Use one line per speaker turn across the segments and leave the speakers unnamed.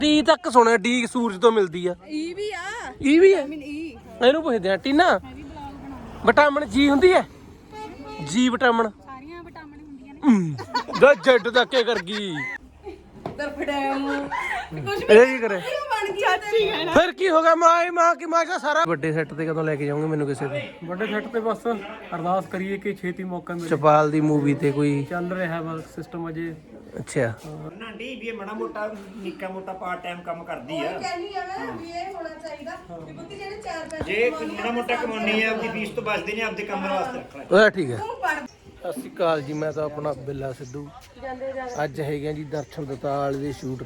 D ਤੱਕ ਸੁਣਿਆ D ਸੂਰਜ ਤੋਂ ਮਿਲਦੀ ਆ
ਈ ਵੀ ਆ
ਈ ਵੀ ਹੈ
ਵਿਟਾਮਿਨ ਈ
ਇਹਨੂੰ ਪੁੱਛਦੇ ਆ ਟੀਨਾ ਵਿਟਾਮਿਨ ਜੀ ਹੁੰਦੀ ਹੈ ਜੀ ਵਿਟਾਮਿਨ
ਸਾਰੀਆਂ ਵਿਟਾਮਿਨ ਹੁੰਦੀਆਂ ਨੇ
ਜੱਟ ਦਾ ਕੀ ਕਰ ਗਈ
ਦਰਫੜੈਮ ਕੁਝ
ਇਹ ਕੀ ਕਰੇ
ਬਣ ਗਿਆ ਚਾਚੀ
ਫਿਰ ਕੀ ਹੋਗਾ ਮਾਂ ਕੀ ਮਾਂ ਦਾ ਸਾਰਾ ਵੱਡੇ ਸੈੱਟ ਤੇ ਕਦੋਂ ਲੈ ਕੇ ਜਾਓਗੇ ਮੈਨੂੰ ਕਿਸੇ ਤੇ
ਵੱਡੇ ਸੈੱਟ ਤੇ ਬਸ ਅਰਦਾਸ ਕਰੀਏ ਕਿ ਛੇਤੀ ਮੌਕਾ ਮਿਲੇ
ਚਪਾਲ ਦੀ ਮੂਵੀ ਤੇ ਕੋਈ
ਚੱਲ ਰਿਹਾ ਵਾ ਸਿਸਟਮ ਅਜੇ
ਅੱਛਾ
ਨਾ ਡੀ ਵੀ ਮਾੜਾ ਮੋਟਾ ਨਿੱਕਾ ਮੋਟਾ ਪਾਰਟ ਟਾਈਮ ਕੰਮ ਕਰਦੀ ਆ
ਕਹਿੰਦੀ ਆ ਮੈਂ ਵੀ ਇਹ ਹੋਣਾ ਚਾਹੀਦਾ ਕਿ ਪੁੱਤ ਜਿਹੜੇ 4 ਪੈਸੇ
ਜੇ ਮਾੜਾ ਮੋਟਾ ਕਮਾਉਣੀ ਆ ਆਪਦੀ ਫੀਸ ਤੋਂ ਬਚਦੇ ਨੇ ਆਪਦੇ ਕੰਮ ਵਾਸਤੇ ਰੱਖਣਾ
ਉਹ ਠੀਕ ਹੈ
ਤੂੰ ਪੜ
ਸਤਿ ਸ਼੍ਰੀ ਅਕਾਲ ਜੀ ਮੈਂ ਤਾਂ ਆਪਣਾ ਬਿੱਲਾ ਸਿੱਧੂ ਅੱਜ ਹੈਗੇ ਜੀ ਦਰਸ਼ਨ ਦਤਾਲ ਦੇ ਸ਼ੂਟ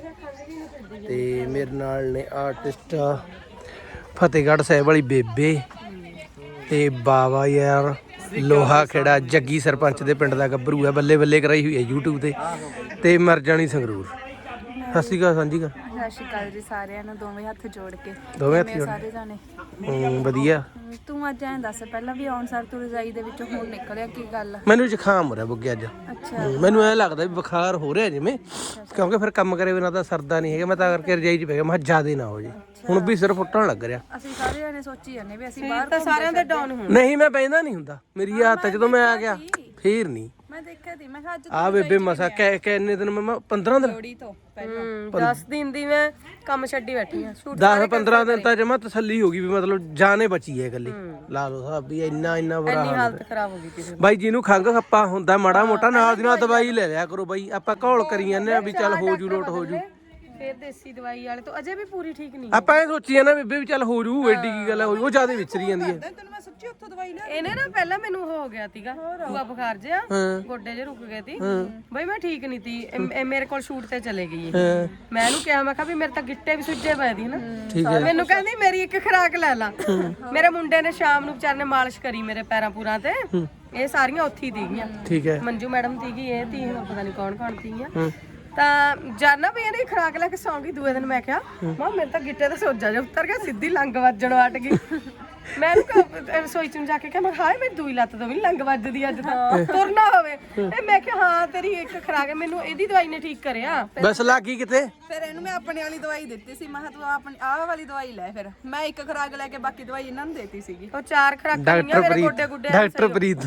ਤੇ ਮੇਰੇ ਨਾਲ ਨੇ ਆਰਟਿਸਟ ਫਤਿਹਗੜ੍ਹ ਸਾਹਿਬ ਵਾਲੀ ਬੇਬੇ ਤੇ ਬਾਵਾ ਯਾਰ ਲੋਹਾ ਖੇੜਾ ਜੱਗੀ ਸਰਪੰਚ ਦੇ ਪਿੰਡ ਦਾ ਗੱਭਰੂ ਹੈ ਬੱਲੇ ਬੱਲੇ ਕਰਾਈ ਹੋਈ ਹੈ YouTube ਤੇ ਮਰ ਜਾਣੀ ਸੰਗਰੂਰ ਸਤਿ ਸ਼੍ਰੀ ਅਕਾਲ ਸਾਂਝੀ ਕਰ
ਸਤਿ ਸ਼੍ਰੀ ਅਕਾਲ ਜੀ ਸਾਰਿਆਂ ਨੂੰ ਦੋਵੇਂ ਹੱਥ ਜੋੜ ਕੇ
ਦੋਵੇਂ ਹੱਥ
ਕਿਵੇਂ
ਜੋੜ
ਸਾਰੇ ਜਾਣੇ
ਵਧੀਆ
ਤੂੰ ਅੱਜ ਐਂ ਦੱਸ ਪਹਿਲਾਂ ਵੀ ਆਉਣ ਸਾਰ ਤੂੰ ਰਜਾਈ ਦੇ ਵਿੱਚੋਂ ਹੁਣ ਨਿਕਲਿਆ ਕੀ ਗੱਲ ਆ?
ਮੈਨੂੰ ਜ਼ੁਕਾਮ ਹੋ ਰਿਹਾ ਬੁੱਗੇ ਅੱਜ
ਅੱਛਾ
ਮੈਨੂੰ ਐ ਲੱਗਦਾ ਵੀ ਬੁਖਾਰ ਹੋ ਰਿਹਾ ਜਿਵੇਂ ਕਿਉਂਕਿ ਫਿਰ ਕੰਮ ਕਰੇ ਬਿਨਾਂ ਤਾਂ ਸਰਦਾ ਨਹੀਂ ਹੈਗਾ ਮੈਂ ਤਾਂ ਕਰਕੇ ਰਜਾਈ 'ਚ ਪੈ ਗਿਆ ਮੈਂ ਜ਼ਿਆਦਾ ਨਾ ਹੋ ਜੇ ਹੁਣ ਵੀ ਸਿਰ ਫੁੱਟਣ ਲੱਗ ਰਿਹਾ
ਅਸੀਂ ਸਾਰੇ ਜਾਣੇ ਸੋਚੀ ਜਾਂਦੇ ਵੀ ਅਸੀਂ ਬਾਹਰ ਤਾਂ ਸਾਰਿਆਂ ਦੇ ਡਾਊਨ ਹੋਣ
ਨਹੀਂ ਮੈਂ ਬੈਂਦਾ ਨਹੀਂ ਹੁੰਦਾ ਮੇਰੀ ਆਦਤ ਜਦੋਂ ਮੈਂ ਆ ਗਿਆ ਫੇਰ ਨਹੀਂ
ਮੈਂ ਦੇਖਿਆ ਸੀ ਮੈਂ ਕਿਹਾ ਅੱਜ
ਆ ਬੇਬੇ ਮਸਾ ਕਿੰਨੇ ਦਿਨ ਮੈਂ 15 ਦਿਨ
ਲੋੜੀ ਤੋਂ ਪਹਿਲਾਂ 10 ਦਿਨ ਦੀ ਮੈਂ ਕੰਮ ਛੱਡੀ ਬੈਠੀ ਆ
10 15 ਦਿਨ ਤਾਂ ਜਮਾ ਤਸੱਲੀ ਹੋ ਗਈ ਵੀ ਮਤਲਬ ਜਾਨੇ ਬਚੀ ਹੈ ਇਕੱਲੀ ਲਾ ਲਓ ਸਾਹਿਬ ਵੀ ਇੰਨਾ ਬੁਰਾ ਹਾਲ
ਹਾਲਤ ਖਰਾਬ ਹੋ ਗਈ ਕਿਸੇ
ਬਾਈ ਜਿਹਨੂੰ ਖੰਘ ਖੱਪਾ ਹੁੰਦਾ ਮਾੜਾ ਮੋਟਾ ਨਾਲ ਦੀ ਨਾਲ ਦਵਾਈ ਲੈ ਲਿਆ ਕਰੋ ਬਾਈ ਆਪਾਂ ਘੋਲ ਕਰੀ ਜਾਂਦੇ ਆ ਵੀ ਚੱਲ ਹੋ ਜੂ ਲੋਟ ਹੋ ਜੂ
ਫੇਰ ਦੇਸੀ ਦਵਾਈ ਵਾਲੇ ਤੋਂ ਅਜੇ ਵੀ ਪੂਰੀ ਠੀਕ ਨਹੀਂ
ਆਪਾਂ ਇਹ ਸੋਚੀ ਜਾਂਦੇ ਬੇਬੇ ਵੀ ਚੱਲ ਹੋ ਜੂ ਐਡੀ ਕੀ ਗੱਲ ਹੈ ਉਹ ਜ਼ਿਆਦਾ ਵਿਚਰੀ ਜਾਂਦੀ ਹੈ
ਤੈਨੂੰ ਮੈਂ ਸੱਚੀ ਉੱਥੋਂ ਦਵਾਈ ਲੈ ਇਹਨੇ ਨਾ ਪਹਿਲਾਂ ਮੈਨੂੰ ਹੋ ਗਿਆ ਸੀਗਾ ਦੂਆ ਬੁਖਾਰ ਜਿਹਾ ਗੋਡੇ ਜੇ ਰੁਕ ਗਏ ਸੀ ਬਈ ਮੈਂ ਠੀਕ ਨਹੀਂ ਸੀ ਇਹ ਮੇਰੇ ਕੋਲ ਸ਼ੂਟ ਤੇ ਚਲੇ ਗਈ ਮੈਂ ਇਹਨੂੰ ਕਿਹਾ ਮੈਂ ਕਿਹਾ ਵੀ ਮੇਰੇ ਤਾਂ ਗਿੱਟੇ ਵੀ ਸੁੱਜੇ ਪਏ ਦੀ ਨਾ ਮੈਨੂੰ ਕਹਿੰਦੀ ਮੇਰੀ ਇੱਕ ਖੁਰਾਕ ਲੈ ਲਾ ਮੇਰੇ ਮੁੰਡੇ ਨੇ ਸ਼ਾਮ ਨੂੰ ਵਿਚਾਰ ਨੇ ਮਾਲਿਸ਼ ਕਰੀ ਮੇਰੇ ਪੈਰਾਂ ਪੂਰਾਂ ਤੇ ਇਹ ਸਾਰੀਆਂ ਉੱਥੇ ਹੀ ਸੀਗੀਆਂ
ਠੀਕ ਹੈ
ਮੰਜੂ ਮੈਡਮ ਸੀਗੀ ਇਹ ਤੀ ਪਤਾ ਨਹੀਂ ਕੌਣ ਸੀਗੀਆਂ ਤਾਂ ਜਾਨਾ ਵੀ ਇਹਨੇ ਖਰਾਕ ਲੈ ਕੇ ਸੌਂ ਗਈ ਦੂਏ ਦਿਨ ਮੈਂ ਕਿਹਾ ਮਾਂ ਮੇਰੇ ਤਾਂ ਗਿੱਟੇ ਦਾ ਸੋਜਾ ਜਿਹਾ ਉੱਤਰ ਗਿਆ ਸਿੱਧੀ ਲੰਗ ਵੱਜਣ ਹਟ ਗਈ ਮੈਂ ਰਸੋਈ ਚ ਜਾ ਕੇ ਕਿਹਾ ਮੈਂ ਹਾਏ ਮੇਰੀ ਦੂਈ ਲੱਤ ਤੋਂ ਵੀ ਲੰਗ ਵੱਜਦੀ ਅੱਜ ਤਾਂ ਤੁਰਨਾ ਹੋਵੇ ਇਹ ਮੈਂ ਕਿਹਾ ਹਾਂ ਤੇਰੀ ਇੱਕ ਖਰਾਕ ਹੈ ਮੈਨੂੰ ਇਹਦੀ ਦਵਾਈ ਨੇ ਠੀਕ ਕਰਿਆ
ਬਸ ਲੱਗੀ ਕਿਤੇ
ਫਿਰ ਇਹਨੂੰ ਮੈਂ ਆਪਣੇ ਵਾਲੀ ਦਵਾਈ ਦਿੱਤੀ ਸੀ ਮੈਂ ਕਿਹਾ ਤੂੰ ਆਪਣੀ ਆਹ ਵਾਲੀ ਦਵਾਈ ਲੈ ਫਿਰ ਮੈਂ ਇੱਕ ਖਰਾਕ ਲੈ ਕੇ ਬਾਕੀ ਦਵਾਈ ਇਹਨਾਂ ਨੂੰ ਦੇਤੀ ਸੀਗੀ ਉਹ 4 ਖਰਾਕਾਂ ਲਈਆਂ ਮੇਰੇ ਗੋਡੇ ਗੁੱਡੇ
ਡਾਕਟਰ ਪ੍ਰੀਤ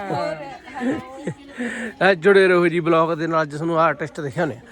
ਜੁੜੇ ਰਹੋ ਜੀ ਬਲੌਗ ਦੇ ਨਾਲ ਜਿਸ ਨੂੰ ਆਰਟਿਸਟ ਦਿਖਿਆ ਨੇ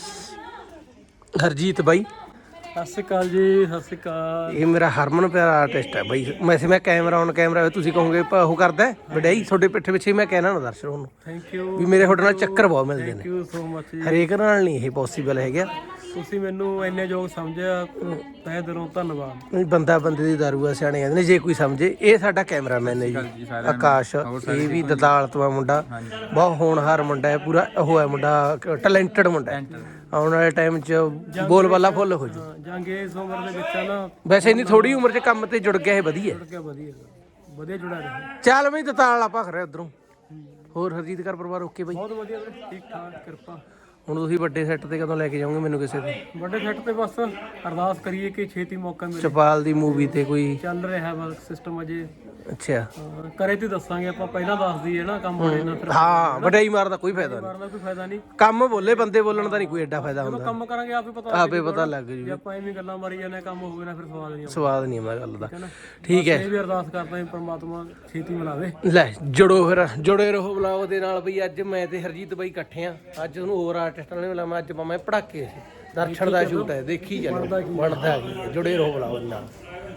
ਹਰਜੀਤ ਬਾਈ
ਸਤਿ ਸ਼੍ਰੀ ਅਕਾਲ ਜੀ ਸਤਿ ਸ਼੍ਰੀ ਅਕਾਲ
ਇਹ ਮੇਰਾ ਹਰਮਨ ਪਿਆਰਾ ਆਰਟਿਸਟ ਹੈ ਬਾਈ ਮੈਂ ਕੈਮਰਾ ਔਨ ਕੈਮਰਾ ਤੁਸੀਂ ਕਹੋਗੇ ਉਹ ਕਰਦਾ ਵਡਿਆਈ ਤੁਹਾਡੇ ਪਿੱਠੇ ਪਿੱਛੇ ਮੈਂ ਕਹਿਣਾ ਨਾ ਦਰਸ਼ਕ ਨੂੰ
ਥੈਂਕ ਯੂ
ਵੀ ਮੇਰੇ ਤੁਹਾਡੇ ਨਾਲ ਚੱਕਰ ਬਹੁਤ ਮਿਲਦੇ
ਥੈਂਕ
ਨੇ
ਯੂ ਸੋ ਮਚ ਜੀ
ਹਰੇਕ ਨਾਲ ਨਹੀਂ ਇਹ ਪੋਸੀਬਲ ਹੈਗਾ
ਤੁਸੀਂ ਮੈਨੂੰ ਇੰਨੇ ਯੋਗ ਸਮਝਿਆ ਤਹਿ ਦਿਲੋਂ ਧੰਨਵਾਦ
ਨਹੀਂ ਬੰਦਾ ਬੰਦੇ ਦੀ ਦਾਰੂ ਆ ਸਿਆਣੇ ਕਹਿੰਦੇ ਨੇ ਜੇ ਕੋਈ ਸਮਝੇ ਇਹ ਸਾਡਾ ਕੈਮਰਾਮੈਨ ਹੈ ਜੀ ਆਕਾਸ਼ ਇਹ ਵੀ ਦਤਾਲ ਤੋਂ ਮੁੰਡਾ ਬਹੁਤ ਹੋਣਹਾਰ ਮੁੰਡਾ ਹੈ ਪੂਰਾ ਉਹ ਹੈ ਮੁੰਡਾ ਟੈਲੈਂਟਡ ਮੁੰਡਾ ਹੈ ਆਉਣ ਵਾਲੇ ਟਾਈਮ 'ਚ ਬੋਲ ਬਾਲਾ ਫੁੱਲ ਹੋ ਜੂ
ਜੰਗ ਇਸ ਉਮਰ ਦੇ ਵਿੱਚ ਆ ਨਾ
ਵੈਸੇ ਇੰਨੀ ਥੋੜੀ ਉਮਰ 'ਚ ਕੰਮ ਤੇ ਜੁੜ ਗਿਆ ਇਹ ਵਧੀਆ
ਵਧੀਆ ਜੁੜਾ ਰਿਹਾ
ਚੱਲ ਬਈ ਦਤਾਲ ਆਪਾਂ ਖਰੇ ਉਧਰੋਂ ਹੋਰ ਹਰਜੀਤ ਘਰ ਪਰਿਵਾਰ ਓਕੇ ਬਾਈ
ਬਹੁਤ ਵਧੀਆ ਠੀਕ ਠਾਕ ਕਿਰਪਾ
ਹੁਣ ਤੁਸੀਂ ਵੱਡੇ ਸੈੱਟ ਤੇ ਕਦੋਂ ਲੈ ਕੇ ਜਾਓਗੇ ਮੈਨੂੰ ਕਿਸੇ ਤੇ
ਵੱਡੇ ਸੈੱਟ ਤੇ ਬਸ ਅਰਦਾਸ ਕਰੀਏ ਕਿ ਛੇਤੀ ਮੌਕਾ ਮਿਲੇ
ਚਪਾਲ ਦੀ ਮੂਵੀ ਤੇ ਕੋਈ
ਚੱਲ ਰਿਹਾ ਵਾ ਸਿਸਟਮ ਅਜੇ
ਅੱਛਾ
ਕਰੇ ਤੇ ਦੱਸਾਂਗੇ ਆਪਾਂ ਪਹਿਲਾਂ ਦੱਸ ਦਈਏ ਨਾ ਕੰਮ ਬਣੇ ਨਾ ਫਿਰ
ਹਾਂ ਵਡਿਆਈ ਮਾਰਨ ਦਾ ਕੋਈ ਫਾਇਦਾ ਨਹੀਂ
ਕਰਨ ਦਾ ਕੋਈ ਫਾਇਦਾ ਨਹੀਂ
ਕੰਮ ਬੋਲੇ ਬੰਦੇ ਬੋਲਣ ਦਾ ਨਹੀਂ ਕੋਈ ਐਡਾ ਫਾਇਦਾ ਹੁੰਦਾ
ਕੰਮ ਕਰਾਂਗੇ ਆਪੇ ਪਤਾ
ਆਪੇ ਪਤਾ ਲੱਗ ਜੂ
ਜੇ ਆਪਾਂ ਐਵੇਂ ਗੱਲਾਂ ਮਾਰੀ ਜਾਂਦੇ ਕੰਮ ਹੋਵੇ ਨਾ ਫਿਰ ਸਵਾਦ ਨਹੀਂ
ਸਵਾਦ ਨਹੀਂ ਆਉਂਦਾ ਗੱਲ ਦਾ ਠੀਕ ਹੈ
ਇਹ ਵੀ ਅਰਦਾਸ ਕਰਦਾ ਹਾਂ ਪ੍ਰਮਾਤਮਾ ਛੇਤੀ ਮਿਲਾਵੇ
ਲੈ ਜੁੜੇ ਰਹੋ ਬਲੌਗ ਦੇ ਨਾਲ ਬਈ ਅੱਜ ਮੈਂ ਤੇ ਹਰਜੀਤ ਬਾਈ ਇਕੱਠੇ ਆ ਅੱਜ ਉਹਨੂੰ ਹੋਰ ਆਰਟਿਸਟਾਂ ਨੇ ਮਿਲਾਵਾਂ ਅੱਜ ਮੈਂ ਪੜਾਕੇ ਦਰਸ਼ਨ ਦਾ ਸ਼ੂਟ ਹੈ ਦੇਖੀ ਚੱਲੋ ਬਣਦਾ ਕੀ ਹੈ ਜੁੜੇ ਰਹੋ ਬਲੌਗ ਦੇ ਨਾਲ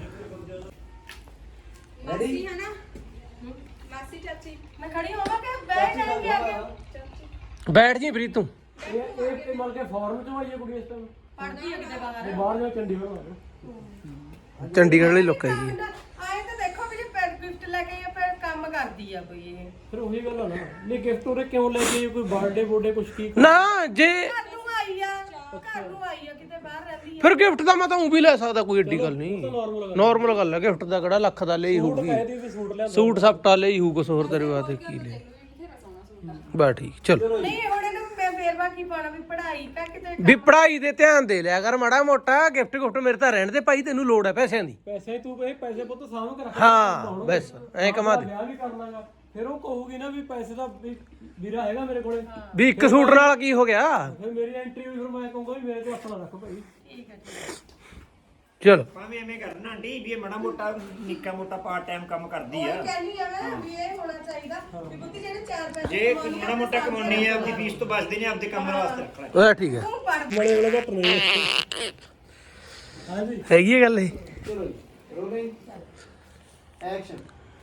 ਮਾਸੀ ਹੈ ਨਾ ਮਾਸੀ ਚਾਚੀ ਮੈਂ ਖੜੀ ਹੋਵਾਂ ਕਿ ਬੈਠ ਜਾਣਗੇ ਅੱਗੇ
ਬੈਠ ਜੀ ਪ੍ਰੀਤ ਤੂੰ
ਇਹ ਮਲ ਕੇ ਫਾਰਮ ਚੋਂ ਆਈਏ ਕੁੜੀ ਇਸ ਟਾਈਮ
ਪੜਦੀ ਹੈ ਕਿਤੇ ਬਾਹਰ
ਬਾਹਰ ਜਾ ਚੰਡੀਗੜ੍ਹ
ਚੰਡੀਗੜ੍ਹ ਵਾਲੀ ਲੋਕ ਹੈਗੀ ਹੈ
ਆਏ ਤਾਂ ਦੇਖੋ ਵੀ ਜੇ ਪੈਡ ਗਿਫਟ ਲੈ ਕੇ ਆਇਆ ਫਿਰ ਕੰਮ ਕਰਦੀ ਆ ਕੋਈ ਇਹ
ਫਿਰ ਉਹੀ ਗੱਲ ਆ ਨਾ ਨਹੀਂ ਗਿਫਟ ਉਰੇ ਕਿਉਂ ਲੈ ਕੇ ਆਈ ਕੋਈ ਬਰਥਡੇ ਕੁਛ ਕੀ
ਨਾ ਜੇ
ਘਰ ਨੂੰ ਆਈ ਆ ਕਿਤੇ ਬਾਹਰ ਰਹਿੰਦੀ
ਫਿਰ ਗਿਫਟ ਦਾ ਮੈਂ ਤਾਂ ਉਹ ਵੀ ਲੈ ਸਕਦਾ ਕੋਈ ਏਡੀ ਗੱਲ ਨਹੀਂ ਨਾਰਮਲ ਗੱਲ ਹੈ ਗਿਫਟ ਦਾ ਕਿਹੜਾ ਲੱਖ ਦਾ ਲਈ ਹੋਊਗੀ
ਇਹਦੀ ਵੀ ਸੂਟ ਲਿਆ
ਸੂਟ ਸਪਟਾ ਲਈ ਹੋਊ ਕੁਛ ਹੋਰ ਤੇਰੇ ਵਾਸਤੇ ਕੀ ਲੈ ਬਸ ਠੀਕ ਚਲੋ
ਨਹੀਂ ਹੁਣ ਇਹਨੂੰ ਮੈਂ ਫੇਰ ਬਾਕੀ ਪਾਣਾ ਵੀ ਪੜ੍ਹਾਈ ਤੱਕ ਕਿਤੇ
ਵੀ ਪੜ੍ਹਾਈ ਦੇ ਧਿਆਨ ਦੇ ਲਿਆ ਕਰ ਮਾੜਾ ਮੋਟਾ ਗਿਫਟ ਮੇਰੇ ਤਾਂ ਰਹਿਣ ਦੇ ਭਾਈ ਤੈਨੂੰ ਲੋੜ ਹੈ ਪੈਸਿਆਂ ਦੀ
ਪੈਸੇ ਤੂੰ ਪੈਸੇ ਪੁੱਤ ਸਾਂਭ ਕੇ ਰੱਖ
ਹਾਂ ਬਸ ਐ ਕਮਾ ਦੇ
ਵਿਆਹ ਵੀ ਕਰਨਾਗਾ ਫਿਰ ਉਹ ਕਹੂਗੀ ਨਾ ਵੀ ਪੈਸੇ ਦਾ ਵੀਰਾ ਹੈਗਾ ਮੇਰੇ ਕੋਲੇ,
ਵੀ ਇੱਕ ਸੂਟ ਨਾਲ ਕੀ ਹੋ ਗਿਆ।
ਫਿਰ ਮੇਰੀ ਐਂਟਰੀ ਹੋਈ, ਫਿਰ ਮੈਂ ਕਹੂੰਗਾ ਵੀ ਮੇਰੇ ਤੋਂ ਹੱਥ ਨਾ ਰੱਖ ਭਾਈ।
ਠੀਕ ਹੈ
ਚਲੋ
ਭਾਵੇਂ ਐਵੇਂ ਕਰਨਾ ਆਂਟੀ ਵੀ ਇਹ ਮਾੜਾ ਮੋਟਾ ਨਿੱਕਾ ਮੋਟਾ ਪਾਰਟ ਟਾਈਮ ਕੰਮ ਕਰਦੀ ਆ।
ਕਹਿੰਦੀ ਆ ਮੈਂ ਵੀ ਇਹ ਹੋਣਾ ਚਾਹੀਦਾ ਕਿ ਬੁੱਧੀ ਜਿਹੜੇ 4 ਪੈਸੇ
ਜੇ ਕੋਈ ਮਾੜਾ ਮੋਟਾ ਕਮਾਉਣੀ ਆ ਆਪਦੀ ਫੀਸ ਤੋਂ ਬਚਦੇ ਨੇ ਆਪਦੇ ਕੰਮ ਵਾਸਤੇ ਰੱਖਣਾ।
ਉਹ ਠੀਕ ਹੈ,
ਤੂੰ ਪੜ
ਬੜੇ ਵੇਲੇ ਘੱਟ ਨਹੀਂ ਹਾਂਜੀ।
ਹੈਗੀ ਹੈ ਗੱਲ ਇਹ।
ਚਲੋ ਜੀ ਰੋਲਿੰਗ ਐਕਸ਼ਨ।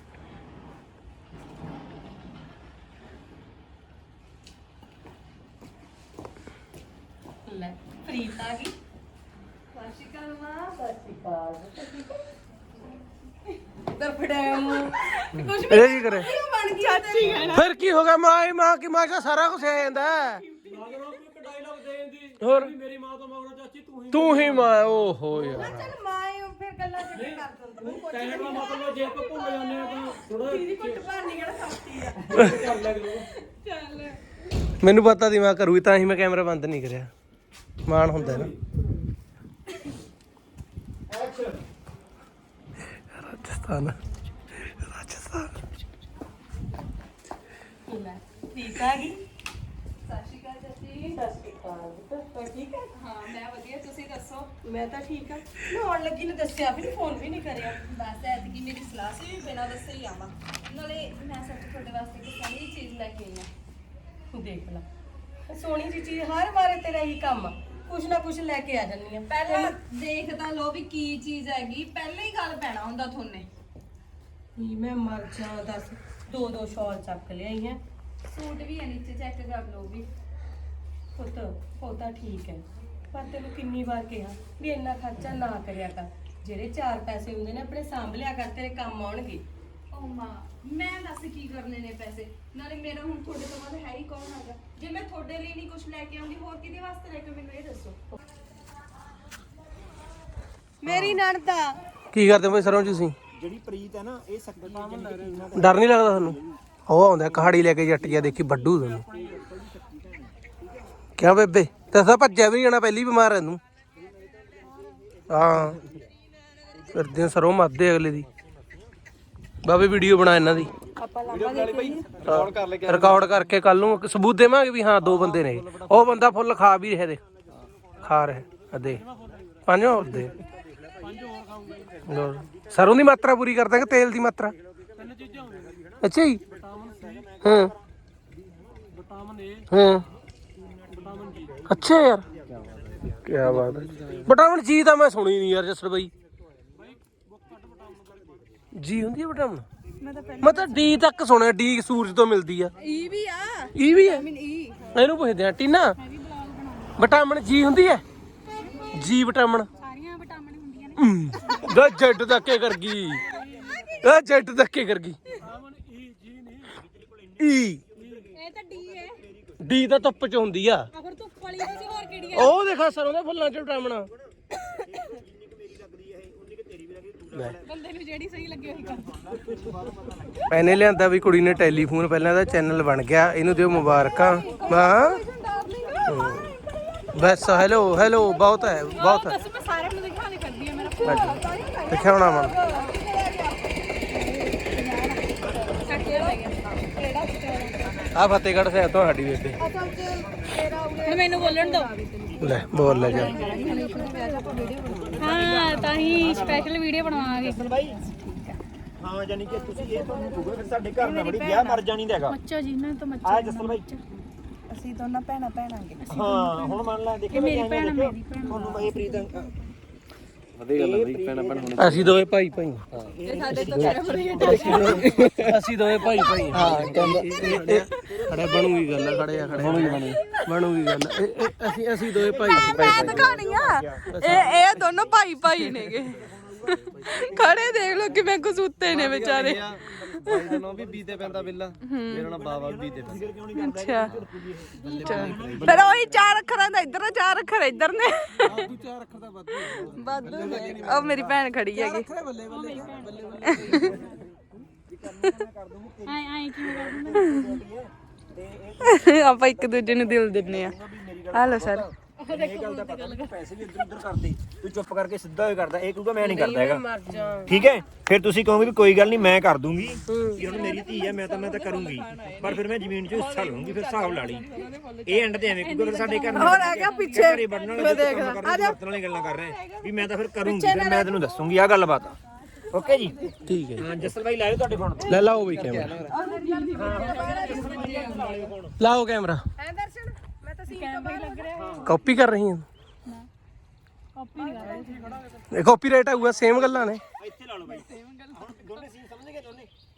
ਲੈ ਪ੍ਰੀਤ ਆ ਗਈ। ਸਤਿ ਸ਼੍ਰੀ ਅਕਾਲ ਮਾਂ। ਸਤਿ ਸ਼੍ਰੀ ਅਕਾਲ। ਦਰ ਫੜਾਮ ਕੁਝ
ਇਹ ਕੀ ਕਰੇ
ਬਣ ਗਈ ਚਾਚੀ ਹੈ ਨਾ।
ਫਿਰ ਕੀ ਹੋ ਗਿਆ, ਮਾਂ ਕੀ ਮਾਂ ਦਾ ਸਾਰਾ ਕੁਝ ਆ ਜਾਂਦਾ ਹੈ।
ਮਗਰੋਂ ਇੱਕ ਡਾਇਲੌਗ ਦੇ ਦਿੰਦੀ
ਹੋਰ
ਵੀ ਮੇਰੀ ਮਾਂ ਤੋਂ ਮਗਰੋਂ ਚਾਚੀ
ਤੂੰ ਹੀ ਮਾਂ। ਓਹੋ ਯਾਰ
ਚੱਲ ਮਾਂ ਹੀ ਉਹ ਫਿਰ ਗੱਲਾਂ ਚੱਕੇ ਕਰ ਦਿੰਦੀ।
ਕਹਿਣ ਦਾ ਮਤਲਬ ਜੇ ਆਪਾਂ ਭੁੱਲ ਜਾਂਦੇ ਆ ਤਾਂ ਥੋੜਾ
ਦੀਦੀ ਕੁੱਟ ਭਰਨੀ ਕਿਹੜਾ ਸਸਤੀ ਆ।
ਕਰ ਲੈ ਕਰੋ।
ਚੱਲ
ਮੈਨੂੰ ਪਤਾ ਦੀ ਮਾਂ ਕਰੂਗੀ, ਤਾਂ ਹੀ ਮੈਂ ਕੈਮਰਾ ਬੰਦ ਨਹੀਂ ਕਰਿਆ। ਮਾਣ ਹੁੰਦਾ ਨਾ।
ਐਕਸ਼ਨ।
ਰਾਜਸਥਾਨ
ਲੈ ਪ੍ਰੀਤ ਆ ਗਈ।
ਸਤਿ ਸ਼੍ਰੀ ਅਕਾਲ ਚਾਚੀ।
ਸਤਿ ਸ਼੍ਰੀ ਅਕਾਲ ਪੁੱਤ। ਠੀਕ ਹੈ?
ਹਾਂ ਮੈਂ ਵਧੀਆ, ਤੁਸੀਂ ਦੱਸੋ।
ਮੈਂ ਤਾਂ ਠੀਕ ਆ। ਮੈਂ ਆਉਣ ਲੱਗੀ ਨੇ ਦੱਸਿਆ ਵੀ ਨਹੀਂ, ਫੋਨ ਵੀ ਨਹੀਂ ਕਰਿਆ।
ਬਸ ਐਤਕੀ ਮੇਰੀ ਸਲਾਹ ਸੀ ਵੀ ਬਿਨਾਂ ਦੱਸੇ ਹੀ ਆਵਾਂ। ਨਾਲੇ ਮੈਂ ਸੱਚ ਤੁਹਾਡੇ ਵਾਸਤੇ ਇੱਕ ਸੋਹਣੀ ਜਿਹੀ ਚੀਜ਼ ਲੈ ਕੇ ਆਈ ਹਾਂ।
ਦੇਖ ਲਾ ਸੋਹਣੀ ਜੀ ਚੀਜ਼, ਹਰ ਵਾਰ ਤੇਰਾ ਹੀ ਕੰਮ ਆ। ਕੁਛ ਨਾ ਕੁਛ ਲੈ ਕੇ ਆ ਜੰਨੀ ਆ।
ਪਹਿਲਾਂ ਦੇਖ ਤਾਂ ਲੋ ਵੀ ਕੀ ਚੀਜ਼ ਹੈਗੀ, ਪਹਿਲਾਂ ਹੀ ਗੱਲ ਪੈਣਾ ਹੁੰਦਾ ਥੋਨੇ।
ਨਹੀਂ ਮੈਂ ਮਰ ਜਾ। ਦੱਸ ਦੋ ਸ਼ਾਲ ਚੱਕ ਲਿਆਈ ਹੈ।
ਸੂਟ ਵੀ ਹੈ ਨੀਚੇ, ਚੈੱਕ ਕਰ ਲਓ ਵੀ।
ਪੁੱਤ ਉਹ ਤਾਂ ਠੀਕ ਹੈ, ਪਰ ਤੈਨੂੰ ਕਿੰਨੀ ਵਾਰ ਕਿਹਾ ਵੀ ਇੰਨਾ ਖਰਚਾ ਨਾ ਕਰਿਆ ਕਰ। ਜਿਹੜੇ 4 ਪੈਸੇ ਹੁੰਦੇ ਨੇ ਆਪਣੇ ਸਾਂਭ ਲਿਆ ਕਰ, ਤੇਰੇ ਕੰਮ ਆਉਣਗੇ।
ਓ ਮਾਂ, ਮੈਂ ਦੱਸ ਕੀ ਕਰਨੇ ਨੇ ਪੈਸੇ। ਨਾਲੇ ਮੇਰਾ ਹੁਣ ਤੁਹਾਡੇ ਤੋਂ ਬਾਅਦ ਹੈ ਹੀ ਕੌਣ ਹੈਗਾ। ਜੇ ਮੈਂ ਤੁਹਾਡੇ ਲਈ ਨਹੀਂ ਕੁਝ ਲੈ ਕੇ ਆਉਂਦੀ, ਹੋਰ ਕਿਹਦੇ ਵਾਸਤੇ ਲੈ ਕੇ, ਮੈਨੂੰ ਇਹ ਦੱਸੋ।
ਮੇਰੀ ਨਣਦ ਆ।
ਕੀ ਕਰਦੇ ਭਾਈ ਸਰੋਂ ਤੁਸੀਂ?
ਜਿਹੜੀ ਪ੍ਰੀਤ ਹੈ ਨਾ ਇਹ ਸਕਦੀ
ਡਰ ਨਹੀਂ ਲੱਗਦਾ ਤੁਹਾਨੂੰ? ਉਹ ਆਉਂਦਾ ਕਹਾੜੀ ਲੈ ਕੇ ਜੱਟ ਗਿਆ, ਦੇਖੀ ਵੱਡੂ ਤੁਹਾਨੂੰ। ਕਿਆ ਬੇਬੇ ਦੱਸਾਂ, ਭੱਜਿਆ ਵੀ ਨਹੀਂ ਜਾਣਾ, ਪਹਿਲੀ ਬਿਮਾਰ ਹੈ ਤੂੰ। ਹਾਂ ਕਰਦੇ ਸਰੋਂ ਮੱਦੇ ਅਗਲੇ ਦੀ। ਬਾਬੇ ਵੀਡੀਓ ਬਣਾ ਇਹਨਾਂ ਦੀ, ਰਿਕਾਰਡ ਕਰਕੇ ਕੱਲ ਨੂੰ ਸਬੂਤ ਦੇਵਾਂਗੇ ਵੀ ਹਾਂ 2 ਬੰਦੇ ਨੇ। ਉਹ ਬੰਦਾ ਫੁੱਲ ਖਾ ਵੀ ਰਿਹਾ, ਦੇਖ ਖਾ ਰਿਹਾ। ਦੇ 5 ਹੋਰ ਦੇ। ਸਰੋਂ ਦੀ ਮਾਤਰਾ ਪੂਰੀ ਕਰ ਦਾਂਗੇ, ਤੇਲ ਦੀ ਮਾਤਰਾ। ਅੱਛਾ ਜੀ। ਹਾਂ
ਵਿਟਾਮਿਨ ਏ,
ਹਾਂ
ਵਿਟਾਮਿਨ ਡੀ।
ਅੱਛਾ ਯਾਰ ਕੀ ਬਾਤ ਹੈ। ਵਿਟਾਮਿਨ ਜੀ ਤਾਂ ਮੈਂ ਸੁਣੀ ਨਹੀਂ ਯਾਰ ਜਸਰ ਬਾਈ। ਜੀ ਹੁੰਦੀ ਹੈ ਵਿਟਾਮਿਨ? ਮੈਂ ਤਾਂ ਡੀ ਤੱਕ ਸੁਣਿਆ। ਡੀ ਸੂਰਜ ਤੋਂ ਮਿਲਦੀ ਆ।
ਈ ਵੀ ਆ।
ਈ ਵੀ ਹੈ? ਇਹਨੂੰ ਪੁੱਛਦੇ ਆ ਟੀਨਾ, ਵਿਟਾਮਿਨ ਜੀ ਹੁੰਦੀ ਹੈ? ਜੀ ਵਿਟਾਮਿਨ
ਸਾਰੀਆਂ ਵਿਟਾਮਿਨ ਹੁੰਦੀਆਂ ਨੇ।
ਗਾ ਜੱਟ ਧੱਕੇ ਕਰ ਗਈ। ਆ ਜੱਟ ਧੱਕੇ ਕਰ ਗਈ। ਈ
ਇਹ ਤਾਂ ਡੀ ਹੈ।
ਡੀ ਤਾਂ ਧੁੱਪ ਚ ਹੁੰਦੀ ਆ।
ਅਗਰ ਧੁੱਪ ਵਾਲੀ ਹੋਵੇ ਹੋਰ ਕਿਹੜੀ
ਉਹ ਦੇਖਾ ਸਰੋਂ ਦੇ ਫੁੱਲਾਂ ਚ ਵਿਟਾਮਿਨ।
ਬੰਦੇ ਨੂੰ ਜਿਹੜੀ ਸਹੀ ਲੱਗੇ ਉਹੀ ਕਰ।
ਮੈਨੇ ਲਿਆਂਦਾ ਵੀ ਕੁੜੀ ਨੇ ਟੈਲੀਫੋਨ, ਪਹਿਲਾਂ ਦਾ ਚੈਨਲ ਬਣ ਗਿਆ। ਇਹਨੂੰ ਦਿਓ ਮੁਬਾਰਕਾਂ। ਹਾਂ ਬਸ ਹੈਲੋ ਹੈਲੋ ਬਹੁਤ ਹੈ, ਬਹੁਤ ਹੈ।
ਮੈਂ ਸਾਰਿਆਂ ਨੂੰ ਦਿਖਾਣੇ ਕਰਦੀ ਆ ਮੇਰਾ
ਦਿਖਾਉਣਾ ਮਨ। ਆ ਫਤਿਹਗੜ੍ਹ ਸਾਹਿਬ ਤੋਂ ਸਾਡੀ ਬੇਬੇ।
ਹੁਣ ਮੈਨੂੰ ਬੋਲਣ ਦਿਓ।
ਲੈ ਬੋਲ ਲੈ ਜਾ।
ਹਾਂ ਤਾਂ ਹੀ ਸਪੈਸ਼ਲ ਵੀਡੀਓ ਬਣਾਵਾਂਗੇ।
ਬਾਈ ਹਾਂ ਜਾਨੀ ਕਿ ਤੁਸੀਂ ਇਹ ਤੁਹਾਨੂੰ ਕਹੋਗੇ ਫਿਰ ਸਾਡੇ ਘਰ ਨਾਲ ਬੜੀ ਵਿਆਹ ਮਰ ਜਾਣੀ ਦਾ ਹੈਗਾ।
ਮੱਚੋ ਜੀ ਨਾ ਤਾਂ ਮੱਚੋ।
ਆ ਜਸਲ ਬਾਈ
ਅਸੀਂ ਦੋਨਾਂ ਭੈਣਾਂ ਭੈਣਾਂਗੇ।
ਹਾਂ ਹੁਣ ਮੰਨ ਲੈ ਦੇਖੇ
ਮੇਰੀ ਭੈਣ ਮੇਰੀ ਭੈਣ।
ਤੁਹਾਨੂੰ ਬਾਈ ਪ੍ਰੀਤ
ਅਸੀਂ ਦੋਵੇਂ ਭਾਈ ਭਾਈ।
ਸਾਡੇ ਤੋਂ ਕੈਮਰੇ
ਅਸੀਂ ਦੋਵੇਂ ਭਾਈ ਭਾਈ। ਹਾਂ ਖੜੇ ਬਣੂਗੀ ਗੱਲ। ਖੜੇ ਆ ਖੜੇ ਬਣੂਗੀ ਗੱਲ। ਅਸੀਂ ਦੋਵੇਂ ਭਾਈ
ਮੈਂ ਦਿਖਾਣੀ ਆ। ਇਹ ਦੋਨੋਂ ਭਾਈ ਭਾਈ ਨੇਗੇ। ਖੜੇ ਦੇਖ ਲੋ ਕਿਵੇਂ ਕਸੂਤੇ ਨੇ ਵਿਚਾਰੇ।
ਵੀ ਬੀਤੇ ਪੈਂਦਾ ਬਿੱਲਾ, ਮੇਰਾ ਨਾਮ ਬਾਬਾ ਬੀਤੇ ਪੈਂਦਾ।
ਅੱਛਾ ਫਿਰ ਉਹੀ 4 ਅੱਖਰਾਂ ਦਾ ਇੱਧਰ, 4 ਅੱਖਰ ਇੱਧਰ ਨੇ।
4 ਅੱਖਰ ਦਾ
ਵਾਧੂ ਨੇ। ਉਹ ਮੇਰੀ ਭੈਣ ਖੜੀ ਹੈਗੀ।
ਆਏ ਕਿਵੇਂ ਕਰ ਦਿੰਦਾ।
ਆਪਾਂ ਇੱਕ ਦੂਜੇ ਨੂੰ ਦਿਲ ਦਿੰਨੇ ਆ। Hello sir.
ਇਹ ਗੱਲ ਦਾ ਪਤਾ ਨਹੀਂ ਪੈਸੇ ਵੀ ਇੱਧਰ ਉੱਧਰ ਕਰਦੇ ਤੂੰ ਚੁੱਪ ਕਰਕੇ ਸਿੱਧਾ ਹੋਏ ਕਰਦਾ ਇਹ ਕਹੂਗਾ ਮੈਂ ਨਹੀਂ ਕਰਦਾ ਹੈਗਾ
ਮਰ ਜਾ
ਠੀਕ ਹੈ ਫਿਰ ਤੁਸੀਂ ਕਹੋਗੇ ਵੀ ਕੋਈ ਗੱਲ ਨਹੀਂ ਮੈਂ ਕਰ ਦੂੰਗੀ ਕਿ ਹੁਣ ਮੇਰੀ ਧੀ ਹੈ ਮੈਂ ਤਾਂ ਕਰੂੰਗੀ ਪਰ ਫਿਰ ਮੈਂ ਜ਼ਮੀਨ 'ਚ ਹਿੱਸਾ ਲਵਾਂਗੀ ਫਿਰ ਹਿਸਾਬ ਲਾ ਲਈ ਇਹ ਐਂਡ ਤੇ ਐਵੇਂ ਕਹੂਗਾ ਫਿਰ ਸਾਡੇ ਘਰ
ਹੋਰ ਆ ਗਿਆ ਪਿੱਛੇ
ਘਰੇ ਵੜਨ ਵਾਲੇ ਵਰਤਣ ਵਾਲੀ ਗੱਲਾਂ ਕਰ ਰਹੇ ਵੀ ਮੈਂ ਤਾਂ ਫਿਰ ਕਰੂੰਗੀ ਫਿਰ ਮੈਂ ਤੈਨੂੰ ਦੱਸੂੰਗੀ ਆਹ ਗੱਲਬਾਤ ਓਕੇ ਜੀ
ਠੀਕ ਹੈ
ਹਾਂ ਜਸਲ ਭਾਈ ਲਾਇਓ ਤੁਹਾਡੇ ਫੋਨ
ਲੈ ਲਾਓ ਬਈ ਕੈਮਰਾ ਲਾਓ ਕੈਮਰਾ
ਐ ਦਰਸ਼ਨ ਮੈਂ ਤਾਂ ਸੀਨ ਤੋਂ ਬਾਹਰ ਲੱਗ ਰਿਹਾ
ਕਾਪੀ ਕਰ ਰਹੀ ਹਾਂ ਕਾਪੀ ਰਾਈਟ ਆਊਗਾ ਸੇਮ ਗੱਲਾਂ ਨੇ
ਇੱਥੇ ਲਾ ਲਓ ਬਾਈ ਹੁਣ ਦੋਨੇ ਸੀਨ ਸਮਝ ਗਏ ਦੋਨੇ